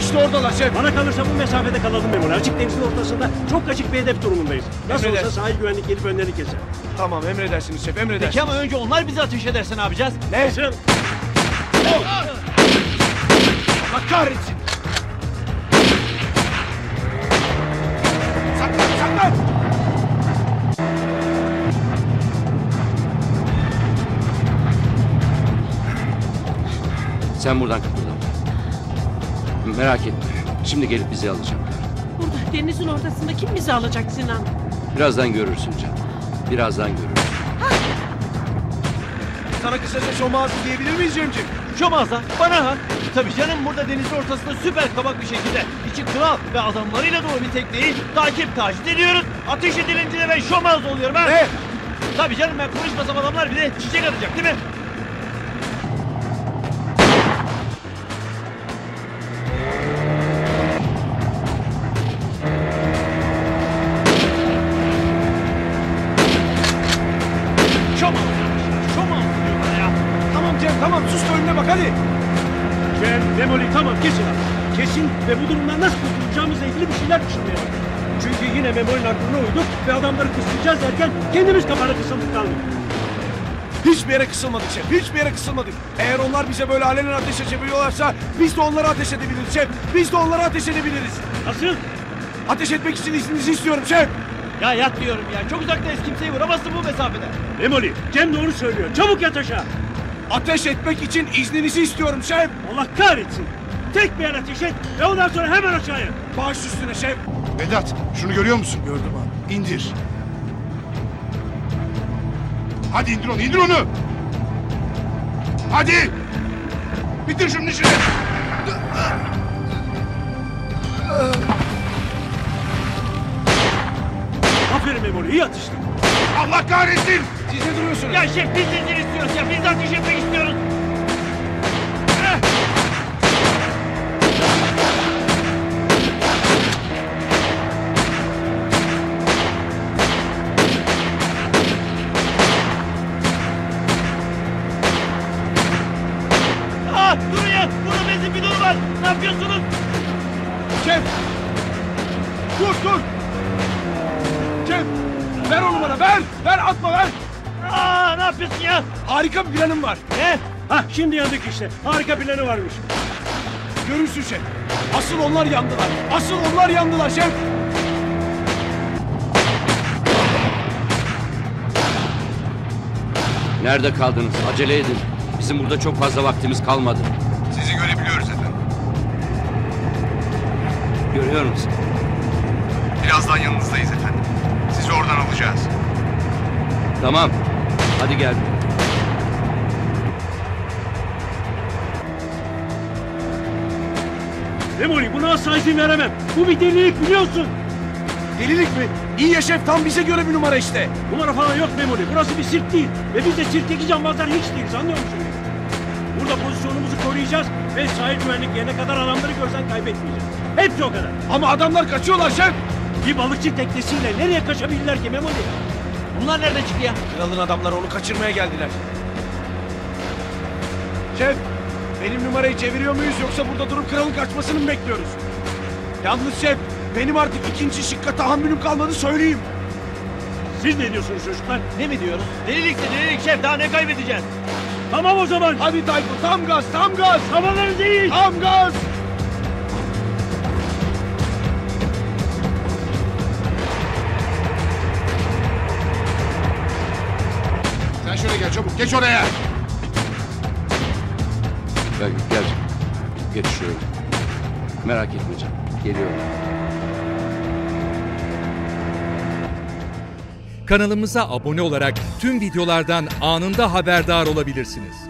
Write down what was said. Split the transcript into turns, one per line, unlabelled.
İşte oradalar şef.
Bana kalırsa bu mesafede kalalım Memoli. Açık denizin ortasında çok açık bir hedef durumundayız. Nasıl olsa
Emredersin.
sahil güvenlik gelip önlerini keser.
Tamam emredersiniz şef emredersiniz.
Peki ama önce onlar bizi ateş ederse ne yapacağız?
Ne?
Nasıl?
Allah kahretsin. Saklan saklan.
Sen buradan kıpırdama. Merak etme. Şimdi gelip bizi alacaklar.
Burada denizin ortasında kim bizi alacak Sinan?
Birazdan görürsün canım. Birazdan görürsün.
Sana kısaca şomağızı diyebilir miyiz Cemciğim?
Şomaz'a, bana ha. Tabii canım, burada denizin ortasında süper kabak bir şekilde içi kral ve adamlarıyla dolu bir tekneyi taciz ediyoruz. Ateş edilince de ben şomaz oluyorum ha.
Ne?
Tabii canım, ben konuşmasam adamlar bile çiçek atacak değil mi? Şomaz diyorlar ya.
Tamam Cem tamam sus da önüne bak hadi.
Cem, Memoli tamam kesin abi. Kesin ve bu durumdan nasıl kurtulacağımızla ilgili bir şeyler düşünmeye başladık. Çünkü yine Memoli'nin aklına uyduk ve adamları kıslayacağız derken kendimiz kafana kısıldık kaldık.
Hiçbir yere kısılmadık şef. Hiçbir yere kısılmadık. Eğer onlar bize böyle alenen ateş açabiliyorlarsa biz de onlara ateş edebiliriz şef. Biz de onlara ateş edebiliriz.
Nasıl?
Ateş etmek için izninizi istiyorum şef.
Ya yat diyorum ya. Çok uzaktayız, kimseyi vuramazsın bu mesafede.
Memoli, Cem doğru söylüyor. Çabuk yat aşağı.
Ateş etmek için izninizi istiyorum şef.
Allah kahretsin. Tek bir yer ateş et ve ondan sonra hemen aşağıya.
Baş üstüne şef.
Vedat, şunu görüyor musun?
Gördüm abi.
İndir. Hadi indir onu, indir onu! Hadi! Bitir şunun işini!
Aferin Memoli, iyi atıştın.
Allah kahretsin!
Siz ne duruyorsunuz?
Ya şef, biz de izin istiyoruz ya. Biz de ateş etmek istiyoruz. Durun ya. Burada benzin bidonu var. Ne yapıyorsunuz?
Şef! Dur dur! Şef! Ver onu bana ver! Ver atma ver!
Ne yapıyorsun ya?
Harika bir planım var.
Ne?
Hah şimdi yandık işte. Harika planı varmış.
Görürsün şef. Asıl onlar yandılar. Asıl onlar yandılar şef.
Nerede kaldınız? Acele edin. Bizim burada çok fazla vaktimiz kalmadı.
Sizi görebiliyoruz efendim.
Görüyor musun?
Birazdan yanınızdayız efendim. Sizi oradan alacağız.
Tamam. Hadi gel.
Memoli buna asla izin veremem. Bu bir delilik biliyorsun.
Delilik mi? İyi ya şef tam bize göre bir numara işte.
Numara falan yok Memoli. Burası bir sirk değil. Ve biz de sirkteki cambazlar hiç değiliz anlıyor musun? Burada pozisyonumuzu koruyacağız ve sahil güvenlik yerine kadar adamları görsen kaybetmeyeceğiz. Hepsi o kadar.
Ama adamlar kaçıyorlar şef.
Bir balıkçı teknesiyle nereye kaçabilirler ki Memoli?
Bunlar nereden çıktı ya?
Kralın adamları onu kaçırmaya geldiler. Şef, benim numarayı çeviriyor muyuz yoksa burada durup kralın kaçmasını mı bekliyoruz? Yalnız şef, benim artık ikinci şıkka tahammülüm kalmadı söyleyeyim.
Siz ne diyorsunuz çocuklar?
Ne mi diyoruz? Delilikse delilik şef, daha ne kaybedeceğiz?
Tamam o zaman.
Hadi Tayfun tam gaz, tam gaz,
Havalarınızı iyi.
tam gaz.
Sen şöyle gel çabuk, geç oraya!
Gel, gel. Geç şöyle. Merak etme canım. Geliyorum.
Kanalımıza abone olarak tüm videolardan anında haberdar olabilirsiniz.